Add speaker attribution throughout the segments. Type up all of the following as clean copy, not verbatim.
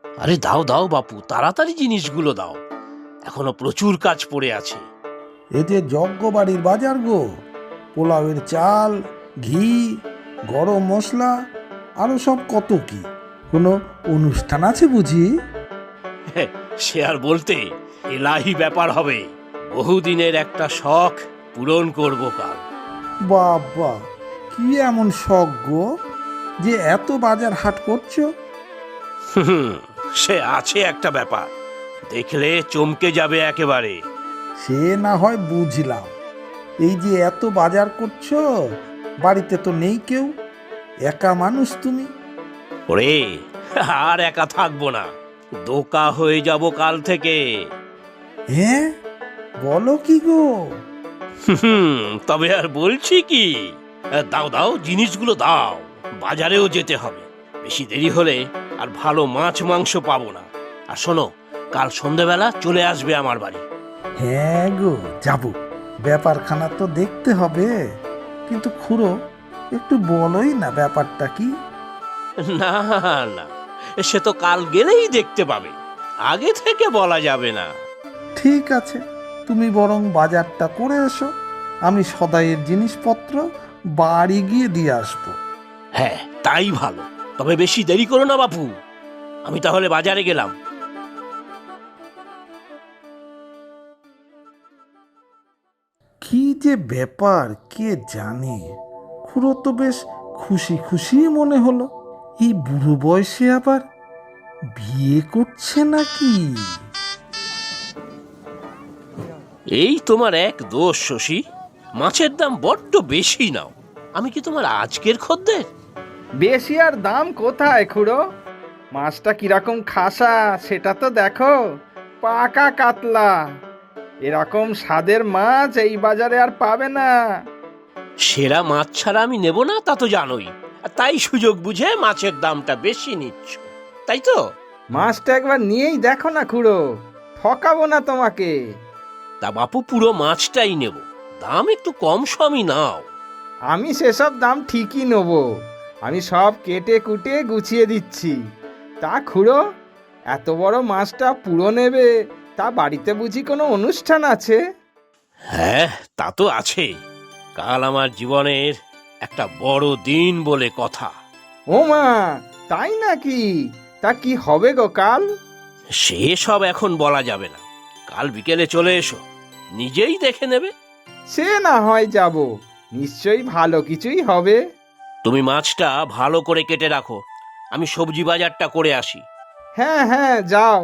Speaker 1: আরে দাও দাও বাপু, তাড়াতাড়ি জিনিসগুলো দাও, এখনো প্রচুর কাজ পড়ে আছে।
Speaker 2: এ যে যজ্ঞ বাড়ির বাজার গো, পোলাওয়ের চাল, ঘি, গরম মশলা, আরো সব কত কি। কোনো অনুষ্ঠান আছে বুঝি?
Speaker 1: সে আর বলতে, এলাহি ব্যাপার হবে। বহুদিনের একটা শখ পূরণ করব কাল।
Speaker 2: বাবা, কি এমন শখ গো যে এত বাজার হাট করছো?
Speaker 1: হুম, সে আছে একটা ব্যাপার, দেখলে চমকে যাবে একেবারে।
Speaker 2: সে না হয় বুঝলাম, এই যে এত বাজার করছো, বাড়িতে তো নেই কেউ, একা মানুষ তুমি।
Speaker 1: ওরে, আর একা থাকবো না, দোকা হয়ে যাব কাল থেকে।
Speaker 2: হ্যাঁ, বলো কি গো?
Speaker 1: তবে আর বলছি কি, দাও দাও জিনিসগুলো দাও, বাজারেও যেতে হবে। বেশি দেরি হলে আর ভালো মাছ মাংস পাবো না। আর শোনো, কাল সন্ধেবেলা চলে আসবে আমার বাড়ি।
Speaker 2: হ্যাঁ গো, যাব, ব্যাপারখানা তো দেখতে হবে। কিন্তু খুড়ো, একটু বলোই না ব্যাপারটা কি?
Speaker 1: না না, সে তো কাল গেলেই দেখতে পাবে, আগে থেকে বলা যাবে না।
Speaker 2: ঠিক আছে, তুমি বরং বাজারটা করে এসো, আমি সদাইয়ের জিনিসপত্র বাড়ি গিয়ে দিয়ে আসবো।
Speaker 1: হ্যাঁ, তাই ভালো। তবে বেশি দেরি করো না বাপু, আমি তাহলে বাজারে গেলাম।
Speaker 2: কি যে ব্যাপার কে জানে। খুড়ো তো বেশ খুশি খুশি মনে হলো, এই বুড়ো বয়সে আবার বিয়ে করছে নাকি?
Speaker 1: এই তোমার এক দোষ শশী, মাছের দাম বড্ড বেশি নাও। আমি কি তোমার আজকের খদ্দের?
Speaker 3: বেশি আর দাম কোথায় খুড়ো? মাছটা কিরকম খাসা সেটা তো দেখো, পাকা কাতলা। এরকম স্বাদের মাছ এই বাজারে আর পাবে না।
Speaker 1: সেরা মাছ ছাড়া আমি নেব না, তা তো জানোই। আর তাই সুযোগ বুঝে মাছের দামটা বেশি নিচ্ছ, তাই তো?
Speaker 3: মাছটা একবার নিয়েই দেখো না খুড়ো, ঠকাবো না তোমাকে।
Speaker 1: তা বাপু, পুরো মাছটাই নেব, দাম একটু কম সমই নাও।
Speaker 3: আমি সেসব দাম ঠিকই নেবো, আমি সব কেটে কুটে গুছিয়ে দিচ্ছি। তা খুড়ো, এত বড় মাছটা পুরো নেবে, তা বাড়িতে বুঝি কোনো অনুষ্ঠান আছে?
Speaker 1: হ্যাঁ, তা তো আছে। কাল আমার জীবনের একটা বড় দিন বলে কথা।
Speaker 3: ও মা, তাই নাকি? তা কি হবে গো কাল?
Speaker 1: সে সব এখন বলা যাবে না, কাল বিকেলে চলে এসো, নিজেই দেখে নেবে।
Speaker 3: সে না হয় যাব, নিশ্চয়ই ভালো কিছুই হবে।
Speaker 1: তুমি মাছটা ভালো করে কেটে রাখো, আমি সবজি বাজারটা করে আসি।
Speaker 3: হ্যাঁ হ্যাঁ, যাও।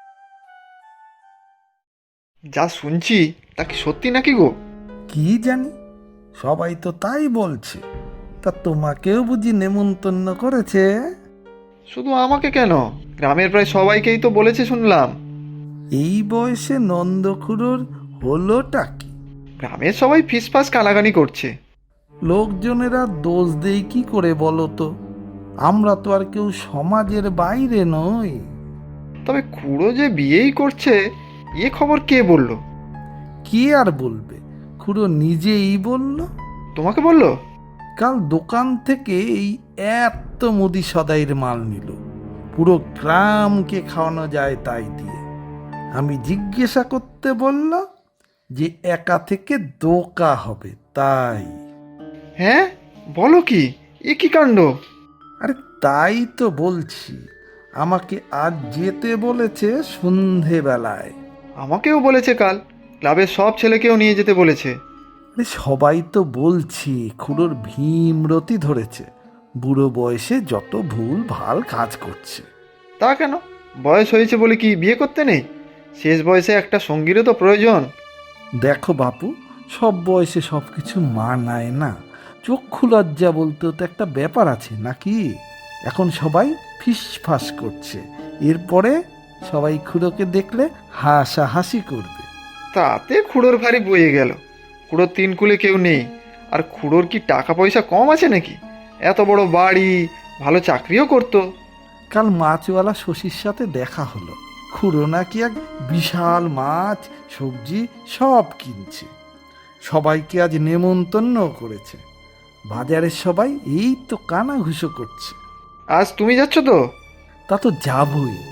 Speaker 4: যা শুনছি তা কি সত্যি নাকি গো?
Speaker 2: কি জানি, সবাই তো তাই বলছে। তা তোমাকেও বুঝি নেমন্তন্ন করেছে?
Speaker 4: শুধু আমাকে কেন, গ্রামের প্রায় সবাইকেই তো বলেছে শুনলাম।
Speaker 2: এই বয়সে নন্দখুড়োর হলোটা কি?
Speaker 4: গ্রামের সবাই ফিসফাস কানাকানি করছে।
Speaker 2: লোকজনেরা দোষ দেয় কি করে বলো তো? আমরা তো আর কেউ সমাজের বাইরে নই।
Speaker 4: তবে খুড়ো যে বিয়েই করছে, এ খবর কে বলল?
Speaker 2: কে আর বলবে, খুড়ো নিজেই বলল।
Speaker 4: তোমাকে বললো?
Speaker 2: কাল দোকান থেকে এই এত মুদি সদাইয়ের মাল নিল, পুরো গ্রামকে খাওয়ানো যায় তাই দিয়ে। আমি জিজ্ঞাসা করতে বলল যে একা থেকে দোকা হবে তাই।
Speaker 4: হ্যাঁ, বলো কি, এ কি কাণ্ড!
Speaker 2: আরে তাই তো বলছি, আমাকে আজ যেতে বলেছে সন্ধেবেলায়।
Speaker 4: আমাকেও বলেছে কাল, ক্লাবের সব ছেলেকেও নিয়ে যেতে বলেছে।
Speaker 2: আরে সবাই তো বলছি খুড়োর ভীমরতি ধরেছে, বুড়ো বয়সে যত ভুল ভাল কাজ করছে।
Speaker 4: তা কেন, বয়স হয়েছে বলে কি বিয়ে করতে নেই? শেষ বয়সে একটা সঙ্গীরও তো প্রয়োজন।
Speaker 2: দেখো বাপু, সব বয়সে সব কিছু মানায় না। চক্ষু লজ্জা বলতেও তো একটা ব্যাপার আছে নাকি? এখন সবাই ফিসফাস করছে, এরপরে সবাই খুড়োকে দেখলে হাসাহাসি করবে।
Speaker 4: তাতে খুড়োর ভারী বয়ে গেল। খুড়োর তিন কুলে কেউ নেই, আর খুড়োর কি টাকা পয়সা কম আছে নাকি? এত বড় বাড়ি, ভালো চাকরিও করতো।
Speaker 2: কাল মাছওয়ালা শশীর সাথে দেখা হলো, খুড়ো নাকি এক বিশাল মাছ সবজি সব কিনছে, সবাইকে আজ নেমন্তন্ন করেছে। বাজারের সবাই এই তো কানাঘুষো করছে।
Speaker 4: আজ তুমি যাচ্ছ তো?
Speaker 2: তা তো যাবই,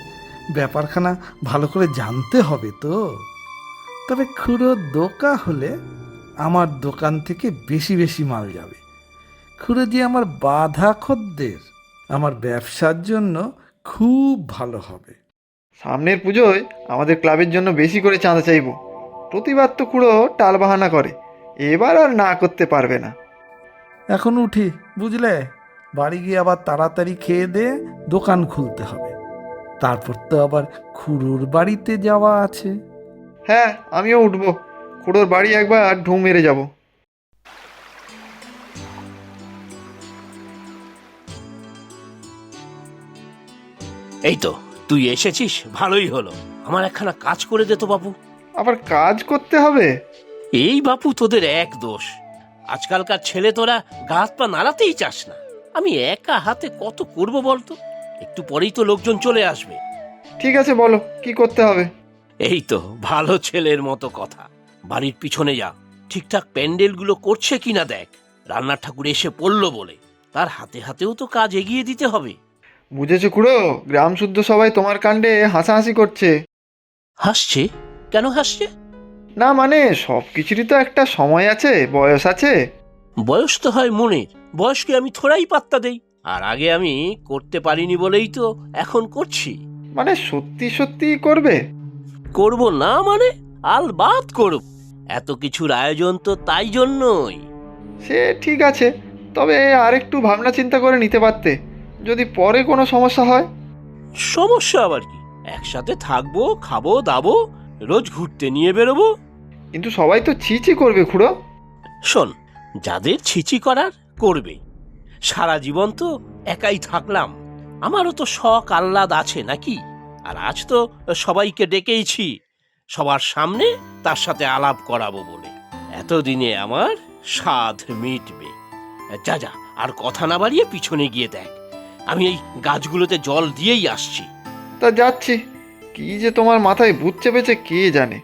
Speaker 2: ব্যাপারখানা ভালো করে জানতে হবে তো। তবে খুড়োর দোকা হলে আমার দোকান থেকে বেশি বেশি মাল যাবে। খুড়ো যে আমার বাধা খদ্দের, আমার ব্যবসার জন্য খুব ভালো হবে।
Speaker 4: সামনের পুজোয় আমাদের ক্লাবের জন্য বেশি করে চাঁদা চাইব। প্রতিবার তো খুড়ো টালবাহানা করে, এবার আর না করতে পারবে না।
Speaker 2: এখন উঠি, বুঝলে? বাড়ি গিয়ে আবার তাড়াতাড়ি খেয়ে দিয়ে দোকান খুলতে হবে। তারপর তো আবার খুড়োর বাড়িতে যাওয়া আছে।
Speaker 4: হ্যাঁ, আমিও উঠবো। খুড়োর বাড়ি একবার ঢু মেরে যাব।
Speaker 1: এই তো তুই এসেছিস, ভালোই হলো। আমার একখানা কাজ করে দে তো বাপু।
Speaker 4: আবার কাজ করতে হবে?
Speaker 1: এই বাপু, তোদের এক দোষ। আজকালকার ছেলে তোরা গা হাত পা নাড়াতেই চাস না। আমি একা হাতে কত করব বলতো? একটু পরেই তো লোকজন চলে আসবে।
Speaker 4: ঠিক আছে, বলো কি করতে হবে।
Speaker 1: এই তো ভালো ছেলের মতো কথা। বাড়ির পিছনে যা, ঠিকঠাক প্যান্ডেলগুলো করছে কিনা দেখ। রান্নার ঠাকুর এসে পড়লো বলে তার হাতে হাতেও তো কাজ এগিয়ে দিতে হবে।
Speaker 4: বুঝেছো খুড়ো, গ্রাম শুদ্ধ সবাই তোমার কাণ্ডে হাসাহাসি করছে।
Speaker 1: হাসছে? কেন হাসছে?
Speaker 4: না মানে, সব কিছুরই তো একটা সময় আছে, বয়স আছে।
Speaker 1: বয়স তো হয় মনের, বয়সকে আমি থোড়াই পাত্তা দেই। আর আগে আমি করতে পারিনি বলেই তো এখন করছি।
Speaker 4: মানে সত্যি সত্যি করবে?
Speaker 1: করব না মানে? আলবাত করব। এত কিছুর আয়োজন তো তাই জন্যই।
Speaker 4: সে ঠিক আছে, তবে আর একটু ভাবনা চিন্তা করে নিতে পারতে, যদি পরে কোনো সমস্যা হয়।
Speaker 1: সমস্যা আবার কি? একসাথে থাকবো, খাবো দাবো, রোজ ঘুরতে নিয়ে বেরোবো।
Speaker 4: কিন্তু সবাই তো ছিছি করবে খুড়ো।
Speaker 1: শোন, যাদের ছিচি করার করবে। সারা জীবন তো একাই থাকলাম, আমারও তো শখ আহ্লাদ আছে নাকি? আর আজ তো সবাইকে ডেকেইছি সবার সামনে, তার সাথে আলাপ করাবো বলে। এতদিনে আমার স্বাদ মিটবে। যা যা, আর কথা না বাড়িয়ে পিছনে গিয়ে দেখ। আমি এই গাছগুলোতে জল দিয়েই আসছি।
Speaker 4: তা যাচ্ছি। কি যে তোমার মাথায় ভূত চেপেছে কে জানে।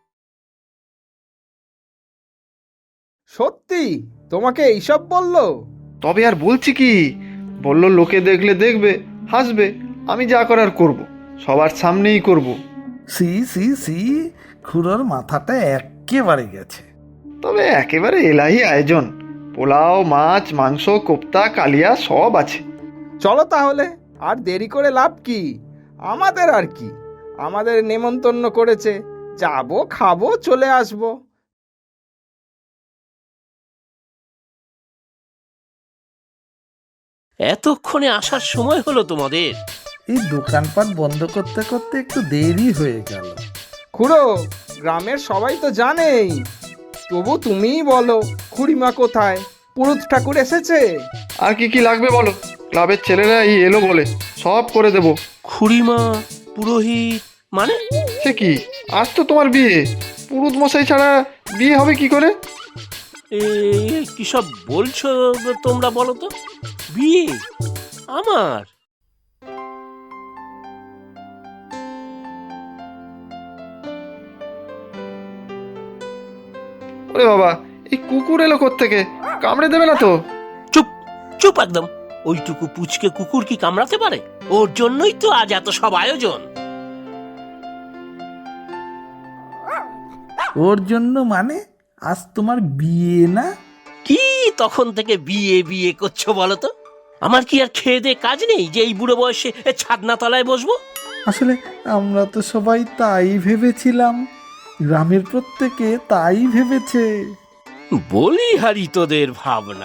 Speaker 3: সত্যি তোমাকে এইসব বললো?
Speaker 4: তবে আর বলছি কি, বলল লোকে দেখলে দেখবে, হাসবে, আমি যা করার করব, সবার সামনেই করব।
Speaker 2: সি সি সি, খুড়োর মাথাটা একেবারে গেছে।
Speaker 4: তবে একেবারে এলাহি আয়োজন, পোলাও, মাছ, মাংস, কোপ্তা, কালিয়া সব আছে।
Speaker 3: চলো তাহলে, আর দেরি করে লাভ কি? আমাদের আর কি, আমাদের নেমন্তন্ন করেছে, যাবো খাবো চলে আসবো।
Speaker 1: এতক্ষণে আসার সময় হলো তোমাদের?
Speaker 2: এই দোকানপাট বন্ধ করতে করতে একটু দেরি হয়ে গেল।
Speaker 3: খুড়ো, গ্রামের সবাই তো জানেই, তবু তুমিই বলো, খুড়িমা কোথায়? পুরুত ঠাকুর এসেছে?
Speaker 4: আর কি কি লাগবে বলো, ক্লাবের ছেলেরা এই এলো বলে সব করে দেব।
Speaker 1: খুড়িমা, পুরোহিত মানে?
Speaker 4: সে কি, আজ তো তোমার বিয়ে, পুরুত মশাই ছাড়া বিয়ে হবে কি করে?
Speaker 1: কি সব বলছো তোমরা বলো তো? বিয়ে আমার?
Speaker 4: ওরে বাবা, এই কুকুর এলো কোত্থেকে, কামড়ে দেবে না তো?
Speaker 1: চুপ চুপ একদম। ওইটুকু পুচকে কুকুর কি কামড়াতে পারে? ওর জন্যই তো আজ এত সব আয়োজন।
Speaker 2: ওর জন্য মানে? আজ তোমার বিয়ে না?
Speaker 1: কি তখন থেকে বিয়ে বিয়ে করছো বলো তো? আমার কি আর খেয়ে দে কাজ নেই যে এই বুড়ো বয়সে ছাদনা তলায় বসবো?
Speaker 2: আসলে আমরা তো সবাই তাই ভেবেছিলাম, গ্রামের প্রত্যেকে তাই ভেবেছে।
Speaker 1: বলি হারি তোদের ভাবনা।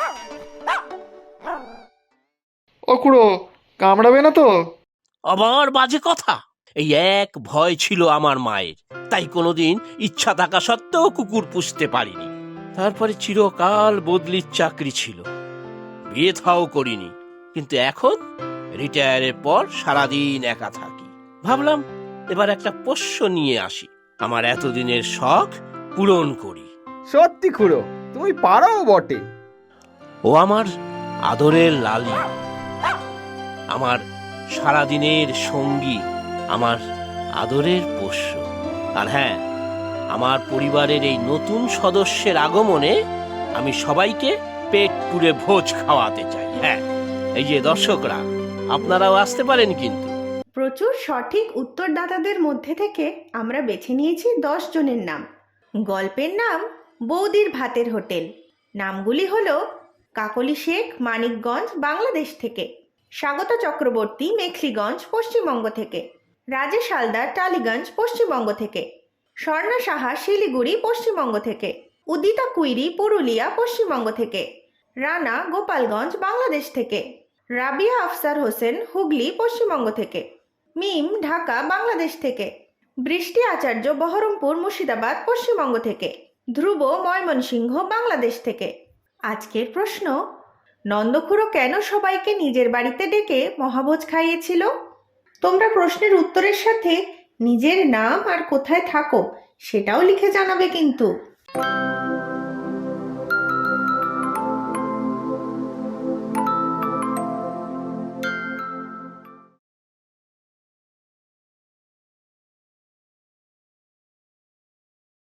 Speaker 4: ও খুড়ো, কামড়াবে না তো?
Speaker 1: আবার বাজে কথা। এই এক ভয় ছিল আমার মায়ের, তাই কোনোদিন ইচ্ছা থাকা সত্ত্বেও কুকুর পুষতে পারিনি। তারপরে চিরকাল বদলির চাকরি ছিল, বিয়ে থাও করিনি। কিন্তু এখন রিটায়ারের পর সারাদিন একা থাকি। ভাবলাম এবার একটা পোষ্য নিয়ে আসি, আমার এতদিনের শখ পূরণ করি।
Speaker 3: সত্যি খুড়ো, তুমি পারো বটে।
Speaker 1: ও আমার আদরের লালি, আমার সারাদিনের সঙ্গী, আমার আদরের পোষ্য। আর হ্যাঁ, আমার পরিবারের এই নতুন সদস্যের আগমনে আমি সবাইকে পেট পুরে ভোজ খাওয়াতে চাই। হ্যাঁ, এই যে দর্শকরা, আপনারাও আসতে পারেন কিন্তু।
Speaker 5: প্রচুর সঠিক উত্তরদাতাদের মধ্যে থেকে আমরা বেছে নিয়েছি 10 জনের নাম। গল্পের নাম বৌদির ভাতের হোটেল। নামগুলি হলো কাকলি শেখ, মানিকগঞ্জ, বাংলাদেশ থেকে; স্বাগতা চক্রবর্তী, মেখলিগঞ্জ, পশ্চিমবঙ্গ থেকে; রাজেশ হালদার, টালিগঞ্জ, পশ্চিমবঙ্গ থেকে; স্বর্ণা সাহা, শিলিগুড়ি, পশ্চিমবঙ্গ থেকে; উদিতা কুইরি, পুরুলিয়া, পশ্চিমবঙ্গ থেকে; রানা, গোপালগঞ্জ, বাংলাদেশ থেকে; রাবিয়া আফসার হোসেন, হুগলি, পশ্চিমবঙ্গ থেকে; মিম, ঢাকা, বাংলাদেশ থেকে; বৃষ্টি আচার্য, বহরমপুর, মুর্শিদাবাদ, পশ্চিমবঙ্গ থেকে; ধ্রুব, ময়মনসিংহ, বাংলাদেশ থেকে। আজকের প্রশ্ন: নন্দখুড়ো কেন সবাইকে নিজের বাড়িতে ডেকে মহাভোজ খাইয়েছিল? তোমরা প্রশ্নের উত্তরের সাথে নিজের নাম আর কোথায় থাকো সেটাও লিখে জানাবে কিন্তু।